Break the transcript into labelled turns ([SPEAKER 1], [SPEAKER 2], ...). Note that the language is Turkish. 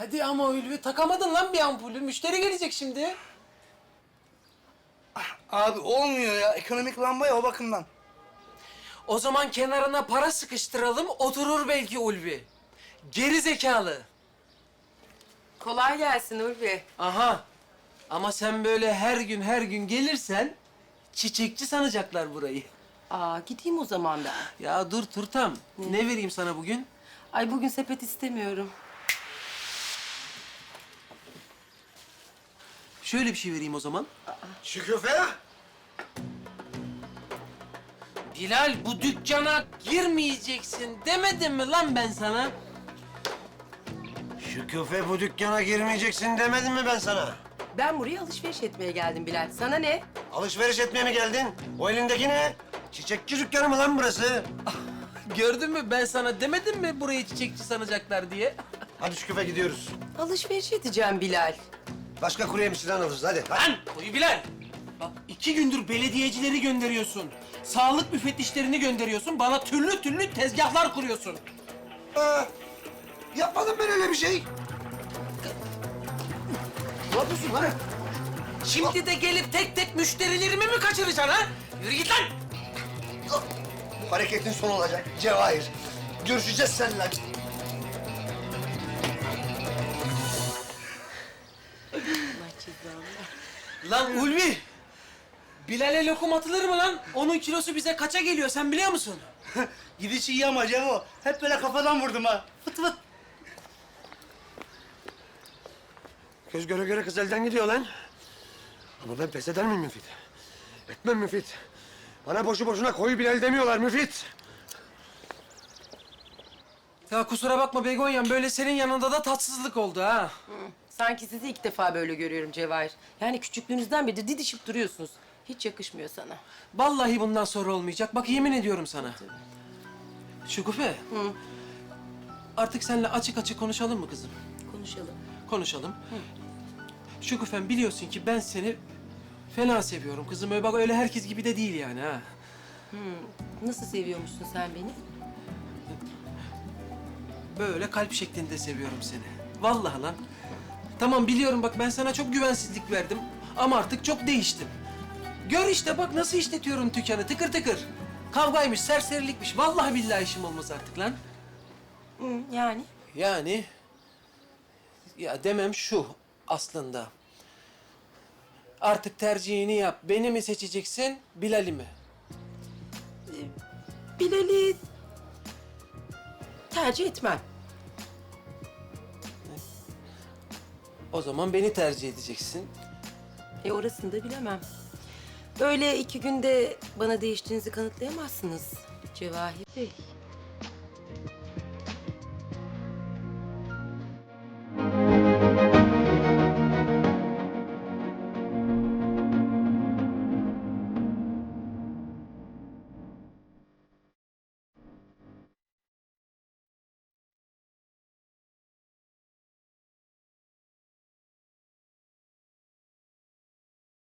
[SPEAKER 1] Hadi ama Ulvi, takamadın lan bir ampulü. Müşteri gelecek şimdi.
[SPEAKER 2] Abi olmuyor ya. Ekonomik lamba ya o bakımdan.
[SPEAKER 1] O zaman kenarına para sıkıştıralım, oturur belki Ulvi. Geri zekalı.
[SPEAKER 3] Kolay gelsin Ulvi.
[SPEAKER 1] Aha. Ama sen böyle her gün gelirsen çiçekçi sanacaklar burayı.
[SPEAKER 3] Aa, gideyim o zaman ben.
[SPEAKER 1] Ya dur Turtam. Ne vereyim sana bugün?
[SPEAKER 3] Ay bugün sepet istemiyorum.
[SPEAKER 1] Şöyle bir şey vereyim o zaman.
[SPEAKER 2] Şüküfe.
[SPEAKER 1] Bilal, bu dükkana girmeyeceksin demedim mi lan ben sana?
[SPEAKER 4] Şüküfe, bu dükkana girmeyeceksin demedim mi ben sana?
[SPEAKER 3] Ben buraya alışveriş etmeye geldim Bilal. Sana ne?
[SPEAKER 4] Alışveriş etmeye mi geldin? O elindeki ne? Çiçekçi dükkanı mı lan burası?
[SPEAKER 1] Gördün mü, ben sana demedim mi burayı çiçekçi sanacaklar diye?
[SPEAKER 4] Hadi Şüküfe, gidiyoruz.
[SPEAKER 3] Alışveriş edeceğim Bilal.
[SPEAKER 4] Başka kuru yemişçiden alırız, hadi.
[SPEAKER 1] Lan uyu Bilal! Bak 2 gündür belediyecileri gönderiyorsun. Sağlık müfettişlerini gönderiyorsun. Bana türlü tezgahlar kuruyorsun.
[SPEAKER 4] Yapmadım ben öyle bir şey. Ne yapıyorsun lan?
[SPEAKER 1] Şimdi de gelip tek tek müşterilerimi mi kaçıracaksın ha? Yürü git lan!
[SPEAKER 4] Hareketin son olacak Cevahir. Görüşeceğiz seninle.
[SPEAKER 1] Lan Ulvi! Bilal'e lokum atılır mı lan? Onun kilosu bize kaça geliyor sen biliyor musun?
[SPEAKER 2] Gidişi iyi ama Cevo. Hep böyle kafadan vurdum ha. Fıt fıt.
[SPEAKER 4] Göz göre göre kız elden gidiyor lan. Ama ben pes eder miyim Müfit? Etmem Müfit. Bana boşu boşuna koyu Bilal demiyorlar Müfit.
[SPEAKER 1] Ya kusura bakma Begonyan, böyle senin yanında da tatsızlık oldu ha.
[SPEAKER 3] Sanki sizi ilk defa böyle görüyorum Cevahir. Yani küçüklüğünüzden beri didişip duruyorsunuz. Hiç yakışmıyor sana.
[SPEAKER 1] Vallahi bundan sonra olmayacak. Bak yemin ediyorum sana. Şükufe. Artık seninle açık açık konuşalım mı kızım?
[SPEAKER 3] Konuşalım.
[SPEAKER 1] Konuşalım. Şükufem, biliyorsun ki ben seni fena seviyorum kızım. Öyle bak, öyle herkes gibi de değil yani ha.
[SPEAKER 3] Nasıl seviyormuşsun sen beni?
[SPEAKER 1] Böyle kalp şeklinde seviyorum seni. Vallahi lan. Tamam biliyorum, bak ben sana çok güvensizlik verdim. Ama artık çok değiştim. Gör işte bak nasıl işletiyorum dükkanı tıkır tıkır. Kavgaymış, serserilikmiş. Vallahi billahi işim olmaz artık lan.
[SPEAKER 3] Yani?
[SPEAKER 1] Yani... Ya demem şu aslında. Artık tercihini yap. Beni mi seçeceksin, Bilal'i mi?
[SPEAKER 3] Bilal'i tercih etmem.
[SPEAKER 1] O zaman beni tercih edeceksin.
[SPEAKER 3] Orasını da bilemem. Öyle 2 günde bana değiştiğinizi kanıtlayamazsınız Cevahir Bey.